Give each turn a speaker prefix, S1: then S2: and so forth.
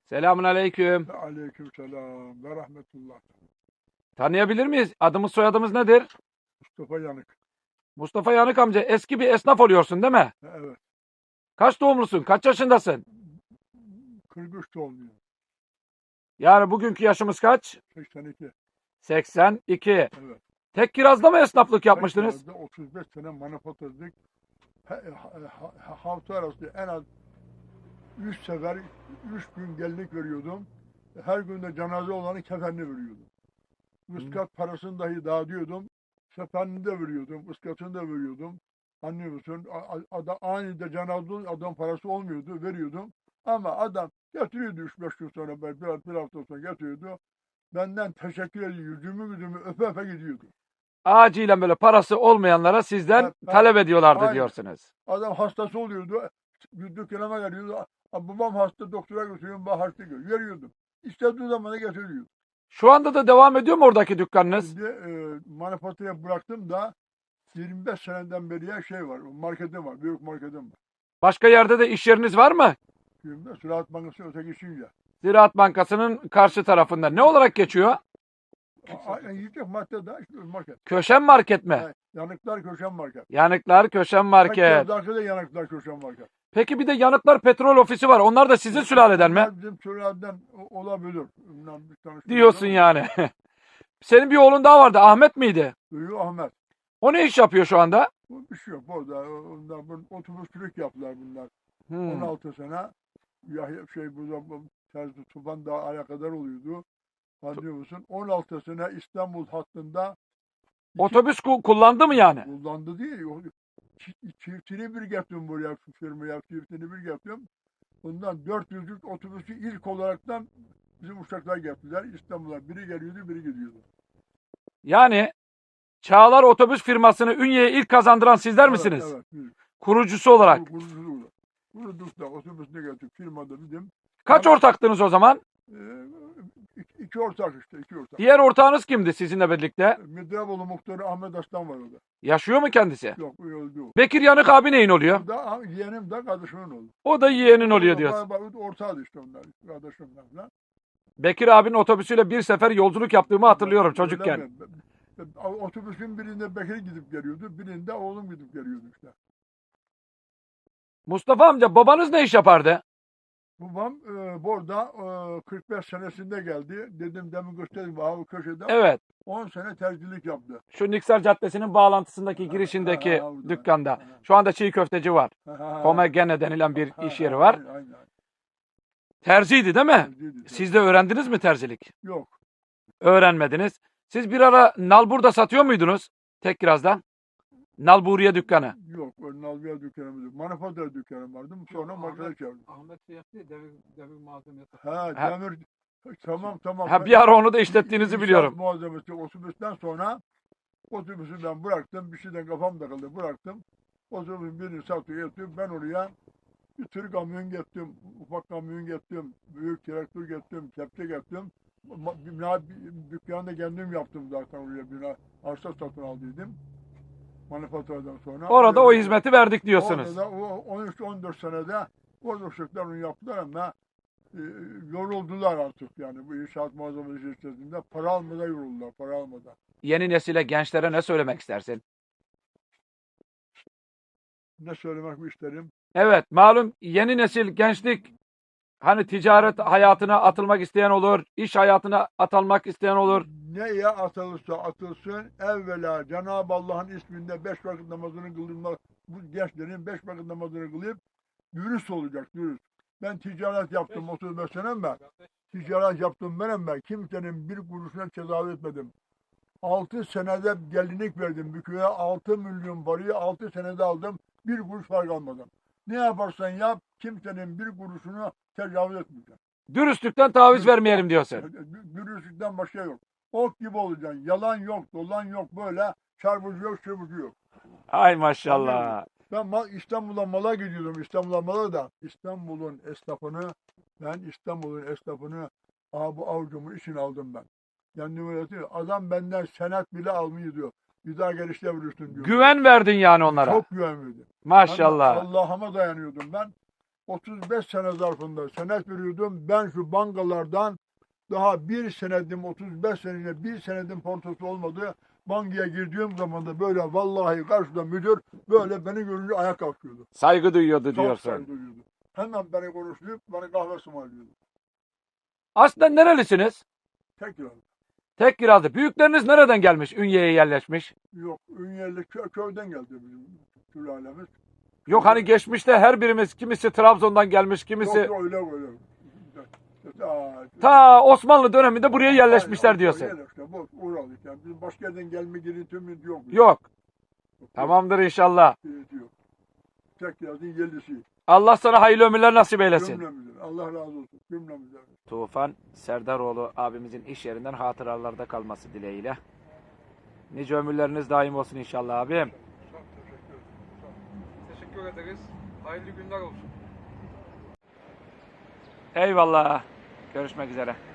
S1: Selamun aleyküm.
S2: Ve aleykümselam ve rahmetullah.
S1: Tanıyabilir miyiz? Adımız soyadımız nedir?
S2: Mustafa Yanık.
S1: Mustafa Yanık amca, eski bir esnaf oluyorsun değil mi?
S2: Evet.
S1: Kaç doğumlusun? Kaç yaşındasın?
S2: 43 doğumluyum.
S1: Yani bugünkü yaşımız kaç?
S2: 82.
S1: 82.
S2: Evet.
S1: Tek kirazda mı esnaflık yapmıştınız?
S2: Tekrar da 35 sene manifaturacılık. Hafta arası en az 3 sefer 3 gün gelinlik veriyordum. Her gün de cenaze olanın kefenini veriyordum. Iskat parasını dahi dağıtıyordum. Kefenini de veriyordum. Iskatını da veriyordum. Anlıyor musun? Aniden cenaze adam parası olmuyordu. Veriyordum. Ama adam getiriyordu 3-5 gün sonra, bir hafta sonra getiriyordu. Benden teşekkür ediyor. Yüzümü öpe öpe gidiyordu.
S1: Acilen böyle parası olmayanlara sizden
S2: Evet,
S1: talep ediyorlardı
S2: aynen.
S1: diyorsunuz.
S2: Adam hastası oluyordu. Dükkânıma geliyordu. Babam hasta, doktora götürüyorum, ben hasta görüyorum. Veriyordum. İstediği zaman da getiriyordu.
S1: Şu anda da devam ediyor mu oradaki dükkanınız?
S2: Şimdi manifaturayı bıraktım da 25 seneden beri şey var. Marketim var. Büyük marketim var.
S1: Başka yerde de iş yeriniz var mı?
S2: Şimdi Ziraat Bankası öteki işince.
S1: Ziraat Bankası'nın karşı tarafında. Ne olarak geçiyor?
S2: Yiyecek madde de işte market.
S1: Köşen market mi?
S2: Yani Yanıklar Köşen Market.
S1: Yanıklar Köşen Market.
S2: Tekkârdaki Yanıklar Köşen Market.
S1: Peki bir de Yanıklar Petrol Ofisi var. Onlar da sizin sülaleden mi?
S2: Bunlar bizim sülaleden olabilir. Bundan bir tanıştık.
S1: Diyorsun yani. Senin bir oğlun daha vardı. Ahmet miydi?
S2: Büyüğü Ahmet.
S1: O ne iş yapıyor şu anda?
S2: Bu bir şey yok orada. Onlar otobüsçülük yaptılar bunlar.
S1: Hmm.
S2: 16 sene. Yahya burada Terzi Tufan daha alakadar oluyordu. Anlıyor musun? 16 sene İstanbul hattında
S1: Otobüs kullandı mı yani?
S2: kullandı değil. Çiftini bir getirdim buraya, şu firmaya çiftini bir getirdim. Bundan 400'lük otobüsü ilk olaraktan bizim uçaklar getirdiler. İstanbul'a biri geliyordu, biri gidiyordu.
S1: Yani Çağlar Otobüs firmasını Ünye'ye ilk kazandıran sizler
S2: Evet,
S1: misiniz?
S2: evet. Biz
S1: Kurucusu olarak.
S2: kuruculuğu. Kuruduk da otobüsüne getirdik. Firmada bizim.
S1: Kaç
S2: Yani,
S1: ortaktınız o zaman?
S2: iki ortak işte, iki ortak.
S1: Diğer ortağınız kimdi sizinle birlikte?
S2: Midraboğlu muhtarı Ahmet Aslan var orada.
S1: Yaşıyor mu kendisi?
S2: Yok, öldü o.
S1: Bekir Yanık abi neyin oluyor?
S2: O da yeğenim de kardeşimin oldu.
S1: O da yeğenin oluyor diyorsun.
S2: Ortağıydı işte onlar, kardeşimler falan.
S1: Bekir abinin otobüsüyle bir sefer yolculuk yaptığımı hatırlıyorum çocukken.
S2: Öyle mi? Otobüsün birinde Bekir gidip geliyordu, birinde oğlum gidip geliyordu işte.
S1: Mustafa amca, babanız ne iş yapardı?
S2: Babam burada 45 senesinde geldi. Dedim, demin gösterdim abi köşede.
S1: Evet.
S2: 10 sene terzilik yaptı.
S1: Şu Niksar Caddesi'nin bağlantısındaki girişindeki
S2: orada.
S1: dükkanda. Şu anda çiğ köfteci var. Komegene denilen bir iş yeri var.
S2: Aynen.
S1: Terziydi değil mi?
S2: Terziydi.
S1: Siz de öğrendiniz mi terzilik?
S2: Yok.
S1: Öğrenmediniz. Siz bir ara nalburda satıyor muydunuz? Tek kirazdan. Nalburiye dükkanı.
S2: Yok. Nalbiye dükkanımız yok. Manifatura dükkanım vardı. Sonra markete çevirdim.
S3: Ahmet şey yaptı ya, devir malzemesi.
S2: Ha, demir. Tamam.
S1: Ha, bir ara onu da işlettiğinizi biliyorum.
S2: Malzemesi otobüsten sonra otobüsü ben bıraktım. Bir şeyden kafam takıldı. Bıraktım. Otobüsün birini satıyor, yatıyor. Ben oraya bir tür kamyon gettim. Ufak kamyon gettim. Büyük traktör gettim. Kepçe gettim. Dükkanı da kendim yaptım zaten oraya. Bina, arsa satın aldıydım. Manifaturadan sonra.
S1: Orada o hizmeti verdik diyorsunuz.
S2: Orada o 13-14 senede orada uşaklar onu yaptılar ama yoruldular artık yani bu inşaat malzemesi şirketinde. Para almadan yoruldular, para almadan.
S1: Yeni nesile, gençlere ne söylemek istersin?
S2: Ne söylemek isterim?
S1: Evet, malum yeni nesil, gençlik hani ticaret hayatına atılmak isteyen olur, iş hayatına atılmak isteyen olur.
S2: Neye atılırsa atılsın, evvela Cenab-ı Allah'ın isminde 5 vakit namazını kılmak, bu gençlerin 5 vakit namazını kılıp dürüst olacak, dürüst. Ben ticaret yaptım 35 sene ben. Ticaret yaptım ben. Kimsenin bir kuruşuna tecavüz etmedim. 6 senede gelinlik verdim bir köye. 6 milyon parayı 6 senede aldım. Bir kuruş fark almadan. Ne yaparsan yap, kimsenin bir kuruşunu tecavüz etmeyeceksin.
S1: Dürüstlükten taviz vermeyelim diyorsun.
S2: Dürüstlükten başka yok. Ok gibi olacaksın. Yalan yok, dolan yok, böyle çarpıcı yok, çırpıcı yok.
S1: Ay maşallah.
S2: Ben İstanbul'a mala gidiyordum. İstanbul'a mala da İstanbul'un esnafını bu avucumun içine aldım ben. Kendime öğretiyor. Adam benden senet bile almıyor diyor. Bir daha gelişte vurursun diyor.
S1: Güven verdin yani onlara.
S2: Çok güven verdim.
S1: Maşallah.
S2: Allah'ıma dayanıyordum ben. 35 sene zarfında senet veriyordum. Ben şu bankalardan daha bir senedim, 35 senede bir senedim portosu olmadı. Bankaya girdiğim zaman da böyle vallahi karşıda müdür böyle beni görünce ayağa kalkıyordu.
S1: Saygı duyuyordu
S2: Çok
S1: diyorsun.
S2: saygı duyuyordu. Hemen beni konuşup bana kahve ısmarlıyordu.
S1: Aslen nerelisiniz?
S2: Tekrar.
S1: Tek kirazlı. Büyükleriniz nereden gelmiş? Ünye'ye yerleşmiş.
S2: Yok, Ünyeli köyden geldi bizim sülalemiz.
S1: Yok hani geçmişte her birimiz kimisi Trabzon'dan gelmiş, kimisi
S2: Yok öyle öyle.
S1: ta Osmanlı döneminde buraya yerleşmişler diyorsun.
S2: Yerleşmişler. Bu uğradık yani. Bizim başka yerden gelme girintimiz yok.
S1: Yok. Tamamdır inşallah.
S2: Yok. Tek yazın yerlisi.
S1: Allah sana hayırlı ömürler nasip eylesin.
S2: Cümlemizden. Allah razı olsun. Cümlemizden.
S1: Tufan Serdaroğlu abimizin iş yerinden hatıralarda kalması dileğiyle. Nice ömürleriniz daim olsun inşallah abim.
S2: Çok teşekkür ederim.
S3: Teşekkür ederiz. Hayırlı günler olsun.
S1: Eyvallah. Görüşmek üzere.